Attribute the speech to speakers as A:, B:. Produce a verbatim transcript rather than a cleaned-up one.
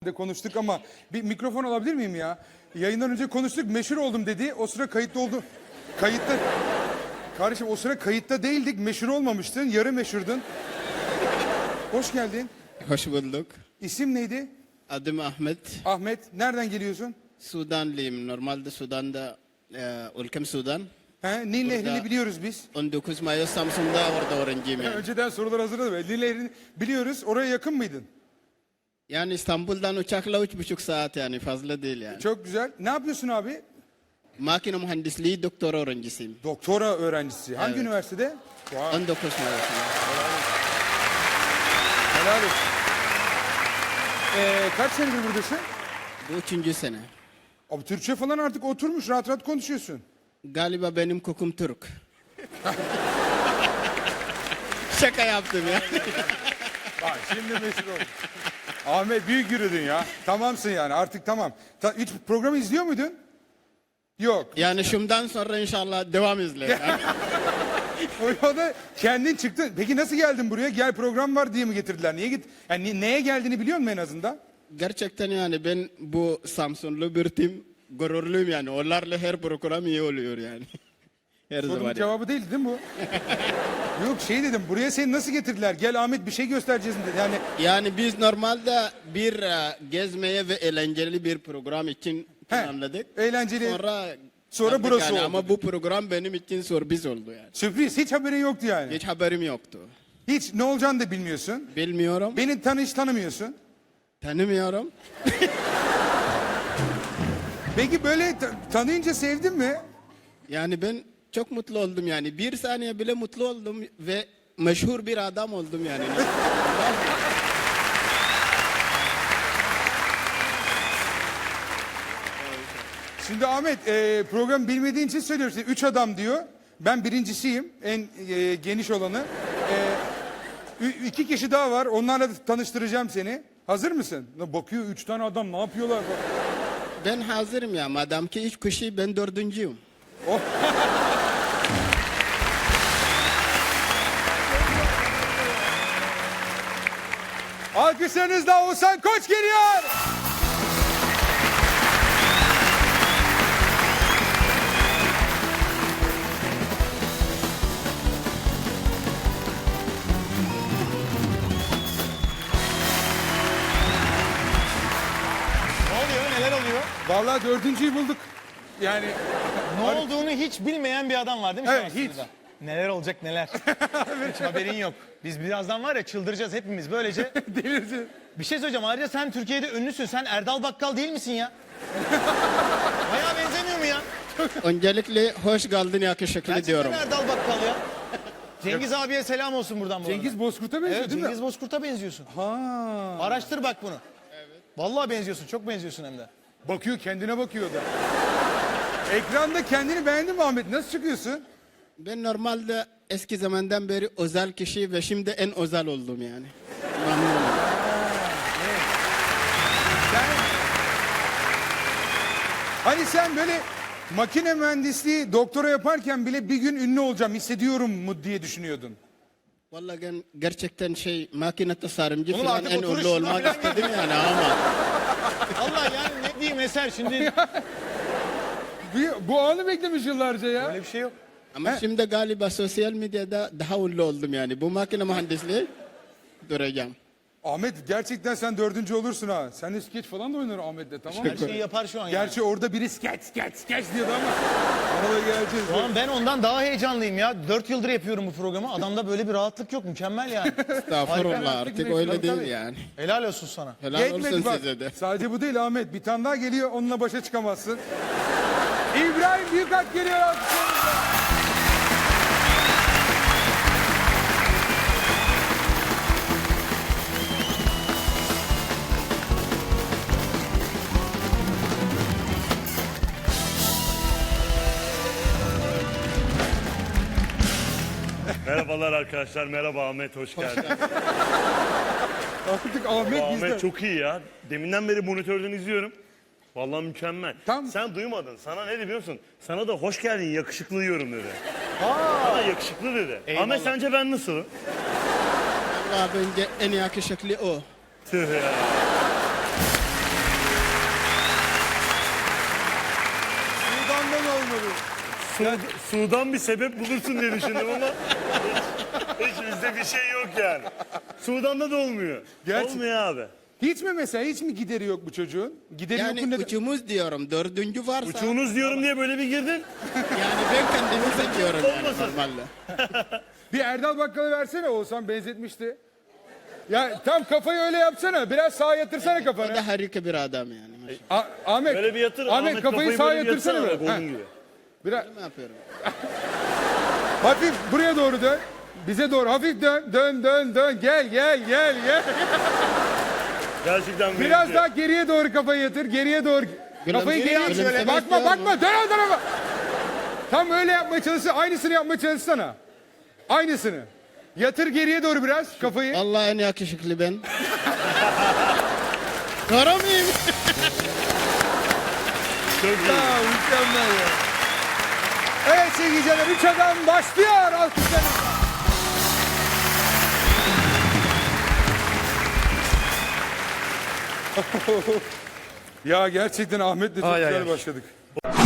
A: de konuştuk ama bir mikrofon alabilir miyim ya? Yayından önce konuştuk, meşhur oldum dedi. O sıra kayıtlı oldu. Kayıtta. Kardeşim o sıra kayıtta değildik, meşhur olmamıştın, yarı meşhurdun. Hoş geldin.
B: Hoş bulduk.
A: İsim neydi?
B: Adım Ahmet.
A: Ahmet. Nereden geliyorsun?
B: Sudanlıyım. Normalde Sudan'da, e, ülkem Sudan.
A: He, Nil
B: Burada-
A: Nehri'ni biliyoruz biz.
B: on dokuz Mayıs Samsun'da orada öğrenciyim yani.
A: Önceden sorular hazırladım. Nil Nehri'ni biliyoruz. Oraya yakın mıydın?
B: Yani İstanbul'dan uçakla üç buçuk saat yani fazla değil yani.
A: Çok güzel. Ne yapıyorsun abi?
B: Makine mühendisliği doktora öğrencisiyim.
A: Doktora öğrencisi. Hangi
B: Evet.
A: üniversitede? Wow.
B: on dokuz Mayıs'ta.
A: Helal olsun. Ee, kaç senedir buradasın?
B: Bu üçüncü sene.
A: Abi Türkçe falan artık oturmuş, rahat rahat konuşuyorsun.
B: Galiba benim kokum Türk. Şaka yaptım ya.
A: Bak şimdi meşhur oldun. Ahmet büyük yürüdün ya. Tamamsın yani artık tamam. Ta, hiç programı izliyor muydun? Yok.
B: Yani şundan sonra inşallah devam izle. Yani.
A: O o da kendin çıktın. Peki nasıl geldin buraya? Gel program var diye mi getirdiler? Niye git? Yani ni- neye geldiğini biliyor musun en azından?
B: Gerçekten yani ben bu Samsunlu bir tim gururluyum yani. Onlarla her program iyi oluyor yani. Her
A: Sorunun
B: zaman. yani.
A: cevabı değil değil mi bu? Yok şey dedim. Buraya seni nasıl getirdiler? Gel Ahmet bir şey göstereceğiz dedi. Yani
B: Yani biz normalde bir e, gezmeye ve eğlenceli bir program için
A: he,
B: planladık.
A: eğlenceli.
B: Sonra
A: Sonra
B: yaptık
A: burası
B: yani.
A: oldu.
B: Ama bu program benim için sürpriz oldu yani.
A: Sürpriz. Hiç haberin yoktu yani.
B: Hiç haberim yoktu.
A: Hiç ne olacağını da bilmiyorsun.
B: Bilmiyorum.
A: Beni tanı hiç tanımıyorsun.
B: Tanımıyorum.
A: Peki böyle ta- tanıyınca sevdin mi?
B: Yani ben çok mutlu oldum yani. Bir saniye bile mutlu oldum ve meşhur bir adam oldum yani.
A: Şimdi Ahmet e, program bilmediğin için söylüyorum size. Üç adam diyor. Ben birincisiyim. En e, geniş olanı. E, ü- iki kişi daha var. Onlarla da tanıştıracağım seni. Hazır mısın? Lan bakıyor üç tane adam ne yapıyorlar?
B: Ben hazırım ya. Madem ki üç kişi ben dördüncüyüm.
A: Alkışlarınızla Oğuzhan Koç geliyor.
C: Ne oluyor? Neler oluyor?
A: Vallahi dördüncüyü bulduk. Yani
C: Ne olduğunu hiç bilmeyen bir adam var değil mi? şu
A: Evet,
C: an
A: hiç.
C: stüdyoda? Neler olacak neler. Hiç haberin yok. Biz birazdan var ya çıldıracağız hepimiz böylece.
A: delirdi.
C: Bir şey söyleyeceğim. Ayrıca sen Türkiye'de ünlüsün. Sen Erdal Bakkal değil misin ya? Bayağı benzemiyor mu ya?
B: Öncelikle hoş geldin yakışıklı
C: Gerçekten
B: diyorum.
C: Erdal Bakkal ya. Cengiz abiye selam olsun buradan bu arada.
A: Cengiz Bozkurt'a benziyor
C: Evet,
A: değil mi?
C: Cengiz Bozkurt'a benziyorsun.
A: Ha.
C: Araştır bak bunu. Evet. Vallahi benziyorsun. Çok benziyorsun hem de.
A: Bakıyor kendine bakıyor da. Ekranda kendini beğendin mi Ahmet? Nasıl çıkıyorsun?
B: Ben normalde eski zamandan beri özel kişi ve şimdi en özel oldum yani. Memnunum.
A: Sen... Hani sen böyle makine mühendisliği doktora yaparken bile bir gün ünlü olacağım hissediyorum mu diye düşünüyordun.
B: Vallahi ben gerçekten şey makine tasarımcı
C: Oğlum
B: falan
C: artık
B: en
C: oturuş
B: ünlü olmak
C: falan
B: istedim yani ama.
C: Allah yani ne diyeyim Eser şimdi
A: Bu, bu anı beklemiş yıllarca ya.
C: öyle bir şey yok.
B: Ama şimdi galiba sosyal medyada daha ünlü oldum yani. Bu makine mühendisliği duracağım.
A: Ahmet gerçekten sen dördüncü olursun ha. Sen de skeç falan da oynar Ahmet'le tamam mı?
C: Her şeyi yapar şu an yani.
A: Gerçi orada biri skeç skeç skeç diyordu ama ona da geleceğiz.
C: Şu an ben ondan daha heyecanlıyım ya. Dört yıldır yapıyorum bu programı. Adamda böyle bir rahatlık yok. Mükemmel yani.
B: Estağfurullah
A: artık
B: artık
A: ne-
B: öyle
A: tabii,
B: değil
A: tabii.
B: yani.
C: Helal olsun sana.
B: Helal
A: Yetmedi
B: olsun
A: bak.
B: size de.
A: Sadece bu değil Ahmet. Bir tane daha geliyor onunla başa çıkamazsın. İbrahim Büyükak geliyor alkışlarınızla.
D: Merhabalar arkadaşlar, merhaba Ahmet, hoş geldin.
A: Artık Ahmet bizde.
D: Ahmet çok iyi ya. Deminden beri monitörden izliyorum. Vallahi mükemmel.
A: Tam-
D: Sen duymadın. Sana ne dedi biliyor musun? Sana da hoş geldin, yakışıklı diyorum dedi. Aa, yakışıklı dedi.
C: Eyvallah.
D: Ahmet sence ben nasılım?
B: Vallahi bence en yakışıklı o.
D: Tüh ya. Su, Sudan bir sebep bulursun diye düşündüm ama hiç, hiç bizde bir şey yok yani. Sudan'da da olmuyor.
A: Gerçi-
D: Olmuyor abi.
A: Hiç mi mesela hiç mi gideri yok bu çocuğun? Gideri yok mu
B: Yani
A: neden?
B: uçumuz diyorum dördüncü varsa.
D: Uçuğunuz diyorum diye böyle bir girdin.
B: Yani ben kendimi seçiyorum yani
D: Olmasın.
B: normalde.
A: Bir Erdal Bakkal'ı versene Oğuzhan benzetmişti. Ya tam kafayı öyle yapsana. Biraz sağa yatırsana
B: O
A: kafanı.
B: da harika bir adam yani. maşallah.
A: A- Ahmet.
D: Böyle bir yatır.
A: Ahmet, kafayı sağa
D: böyle bir
A: yatırsana
D: yatsana
A: biraz.
D: bak,
A: Ha,
D: onun gibi.
A: biraz.
B: Ne yapıyorum?
A: Hafif buraya doğru dön. Bize doğru hafif dön. Dön dön dön. Gel gel gel gel.
D: Gerçekten
A: Biraz
D: benziyor.
A: daha geriye doğru kafayı yatır. Geriye doğru. Kafayı geriye
B: gülümsemek
A: şöyle. Bakma
B: istiyorum.
A: bakma. Dön o tarafa. Tam öyle yapmaya çalışsana. Aynısını yapmaya çalışsana. Aynısını. Yatır geriye doğru biraz kafayı.
B: Allah en yakışıklı ben. Doğru muyum?
D: Çok iyi.
A: Ya, mükemmel ya. Evet sevgili izleyiciler, üç adam başlıyor. Alkışlarınızla. Ya gerçekten Ahmet'le çok
D: Ay, ay,
A: güzel
D: ay.
A: başladık.